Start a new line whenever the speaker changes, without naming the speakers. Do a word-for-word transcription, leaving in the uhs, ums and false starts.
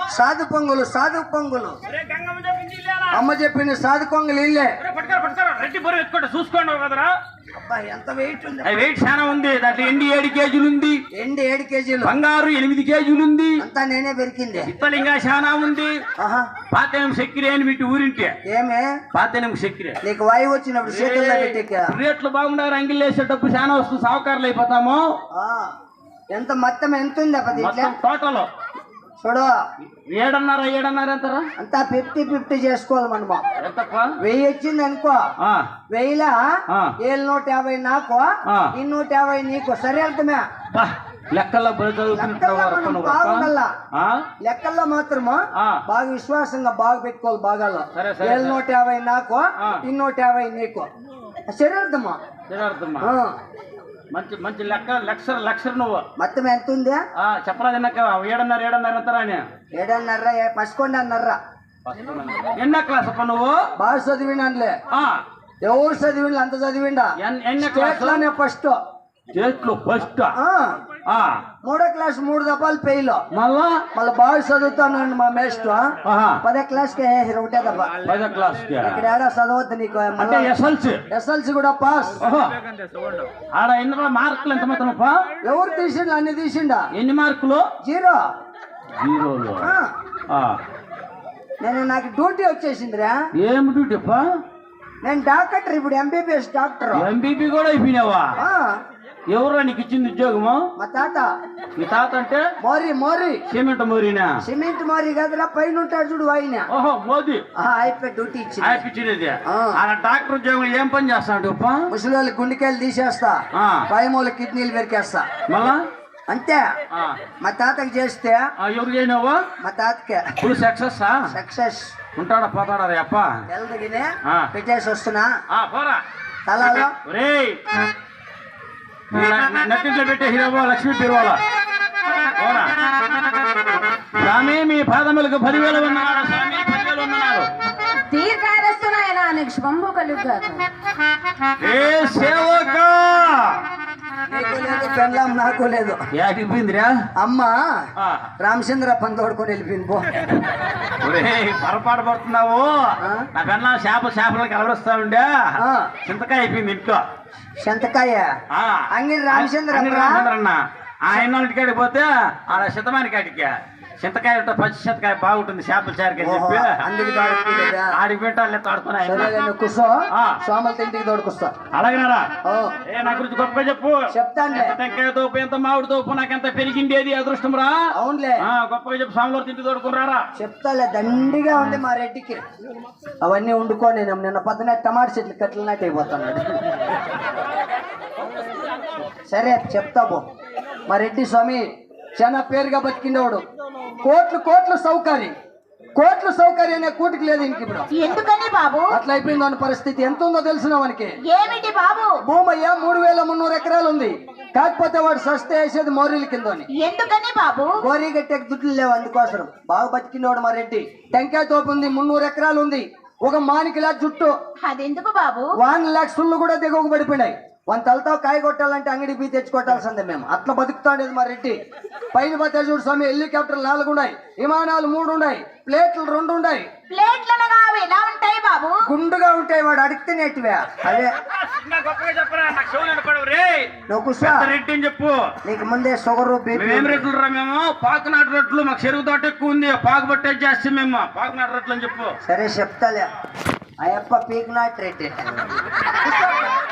సాధు పొంగులు సాధు పొంగులు అమ్మ చెప్పింది సాధు పొంగులు ఇల్లే
రెడ్డి బరువు ఎత్తుకుంటే చూసుకోండి కదరా.
అబ్బాయి ఎంత వెయిట్ ఉంది?
వెయిట్ చాలా ఉంది. దాంట్లో ఎండి ఏడు కేజీలు ఉంది,
ఎండి ఏడు కేజీలు,
బంగారు ఎనిమిది కేజీలు ఉంది.
అంతా నేనే పెరికింది.
ఇత్తలు ఇంకా చాలా ఉంది. పాతేనం చక్కెర అని పెట్టి ఊరింటే
ఏమే
పాతేనం చక్కెర
నీకు వాయువు వచ్చినప్పుడు చేతుల్లో పెట్టి
రేట్లు బాగుండారు. అంగిల్ వేసే డబ్బు చాలా వస్తుంది, సావుకారులు అయిపోతాము.
ఎంత మొత్తం ఎంత ఉంది అప్ప
టోటల్
చూడు?
ఏడన్నర ఏడన్నర ఎంతరా?
అంతా ఫిఫ్టీ ఫిఫ్టీ చేసుకోవాలి మనము.
ఎంతప్ప?
వెయ్యి వచ్చింది అనుకో, వెయ్యిలా ఏళ్ళు నూట యాభై నాకు, ఈ నూట యాభై నీకు. సరే వెళ్తామే
లెక్కల్లో
బాగుండాలా? లెక్కల్లో మాత్రము బాగా విశ్వాసంగా బాగా పెట్టుకోవాలి. బాగాలో ఏళ్ళు నూట యాభై నాకు, ఈ నూట యాభై నీకు. సరే వెళ్తామా?
మంచి మంచి లెక్క లక్ష లక్ష నువ్వు
మొత్తం ఎంత ఉంది
చెప్పరా? తిన్నాక ఏడన్నర ఏడన్నర ఎంతరా?
ఏడన్నర పసుకోండి అన్నర్రా.
ఎన్న క్లాస్ అప్ప నువ్వు?
బాగా చదివినానులే. ఎవరు చదివిండు? అంత చదివిండా? ఎన్ని ఫస్ట్
ఫస్ట్
మూడో క్లాస్ మూడు దఫాలు ఫెయిల్. మళ్ళా మళ్ళీ బాగా చదువుతానండి మా మేస్ట్. పదో క్లాస్ కి ఒకటే దఫా.
పదో క్లాస్
ఇక్కడ ఏడా చదవద్దు నీకు.
ఎస్ఎల్సి
ఎస్ఎల్సి కూడా పాస్.
ఆడ ఎన్ని మార్కులు ఎంత మాత్రం?
ఎవరు తీసిండు? అన్ని తీసిండా?
ఎన్ని మార్కులు?
జీరో.
జీరోలు.
నేను నాకు డ్యూటీ వచ్చేసిందిరా.
ఏమి డ్యూటీ అప్ప?
నేను డాక్టర్, ఇప్పుడు ఎంబీబీఎస్ డాక్టర్.
ఎంబీబీ కూడా అయిపోయినావా? ఎవరు నీకు ఇచ్చింది ఉద్యోగము? మా తాత. మీ తాత అంటే
మోరీ మోరీ
సిమెంట్ మోరీనా?
సిమెంట్ మోరీ కదరా, పైన ఉంటాడు చూడు ఆయన.
ఓహో మోదీ.
అయిపోయి డ్యూటీ ఇచ్చింది.
అయిపోయినది. డాక్టర్ ఉద్యోగం ఏం పని చేస్తాడు?
ముసలి వాళ్ళకి గుండెకాయలు తీసేస్తా, పైమూల కిడ్నీలు పెరికేస్తా.
మళ్ళా
అంతే. మా తాతకి చేస్తే.
ఎవరు చేయనావా? మా
తాతకే.
Full success.
సక్సెస్.
ఉంటాడా పోతాడా రే అప్ప?
తెల్లదిగినే పెట్టేసి వస్తున్నా
పోరా
తలలో.
నట్టింట్లో పెట్టే హీరో లక్ష్మీ తిరువాల. స్వామి మీ పాదములకు పదివేలు ఉన్నాడు. స్వామి పదివేలు ఉన్నాడు.
దీర్ఘారస్తున్నాయన నీకు శుభంభు కలుగుగా.
ఏ సేవక
పెళ్ళాం నాకు లేదు.
యాడిపోయిందిరా?
అమ్మ రామచంద్ర పని తోడుకొని వెళ్ళిపోయింది. పో
పొరపాటు పడుతున్నావు. నా పెళ్ళాం చేప చేపలు కలవరుస్తా ఉండే చింతకాయ అయిపోయింది ఇంట్లో.
చింతకాయ అంగిడి రామచంద్ర
అన్న ఆయన ఇంటికాడికి పోతే ఆడ శతమానికి కాడికి చింతకాయ పచ్చి చింతకాయ బాగుంటుంది చేపల చారుకి చెప్పి ఆడికి పెట్టాలి తాడుతున్నాయి.
కూర్చో, సోమలతో ఇంటికి తోడుకొస్తా.
అలాగేనారా? ఏ నా గురించి గొప్ప చెప్పు.
చెప్తాను.
టెంకాయ తోపు ఎంత మామిడి తోపు నాకెంత పెరిగిండేది అదృష్టం రా.
అవునులే.
గొప్పగా చెప్పు. స్వామివారి ఇంటికి తోడుకున్నారా?
చెప్తాలే. దండిగా ఉంది మా రెడ్డికి. అవన్నీ వండుకో. నేను నిన్న పొద్దున టమాటా చెట్లు కట్టలు నాటి అయిపోతున్నాడు. సరే చెప్తాబో. మా రెడ్డి స్వామి చాలా పేరుగా బతికిండేవాడు. కోట్లు కోట్లు సౌకర్యం, కోట్ల సౌకర్యం అనే కూటికి లేదు ఇంక. ఇప్పుడు
ఎందుకని బాబు
అట్లా అయిపోయింది అని పరిస్థితి. ఎంత ఉందో తెలిసిన మనకి.
ఏమిటి బాబు?
భూమయ్య మూడు వేల మున్నూరు ఎకరాలు ఉంది. కాకపోతే వాడు సస్తే వేసేది మోరీల కింద.
ఎందుకని బాబు?
గోరీ గట్టె దుడ్లు లేవు, అందుకోసం. బాగా బతికినవాడు మా రెడ్డి. టెంకాయ తోపు ఉంది, మున్నూరు ఎకరాలు ఉంది. ఒక మానికిలా జుట్టు.
అదెందుకు బాబు?
వన్ లాక్ సుళ్ళు కూడా దిగకు పడిపోయినాయి. వన్ తలతో కాయ కొట్టాలంటే అంగడి బీ తెచ్చుకోవాల్సిందే మేము. అట్లా బతుకుతా ఉండేది మా రెడ్డి. పైన పోతే చూడు స్వామి, హెలికాప్టర్లు నాలుగు ఉన్నాయి, విమానాలు మూడు ఉన్నాయి, ప్లేట్లు రెండు ఉన్నాయి.
బాబు
గుండుగా ఉంటాయి. వాడు అడిగితే నేటివే అదే.
చెప్పు.
నీకు ముందే షుగర్
ఏం రెట్లు రా మేము? పాకునాటు రొట్లు మాకు చెరుగు తోట ఎక్కువ ఉంది. పాకు పట్టే చేస్తాం మేము. పాకునాటు రొట్లు అని చెప్పు.
సరే చెప్తాలే. అయ్యప్ప పీక్ నాట్ రెడ్డి.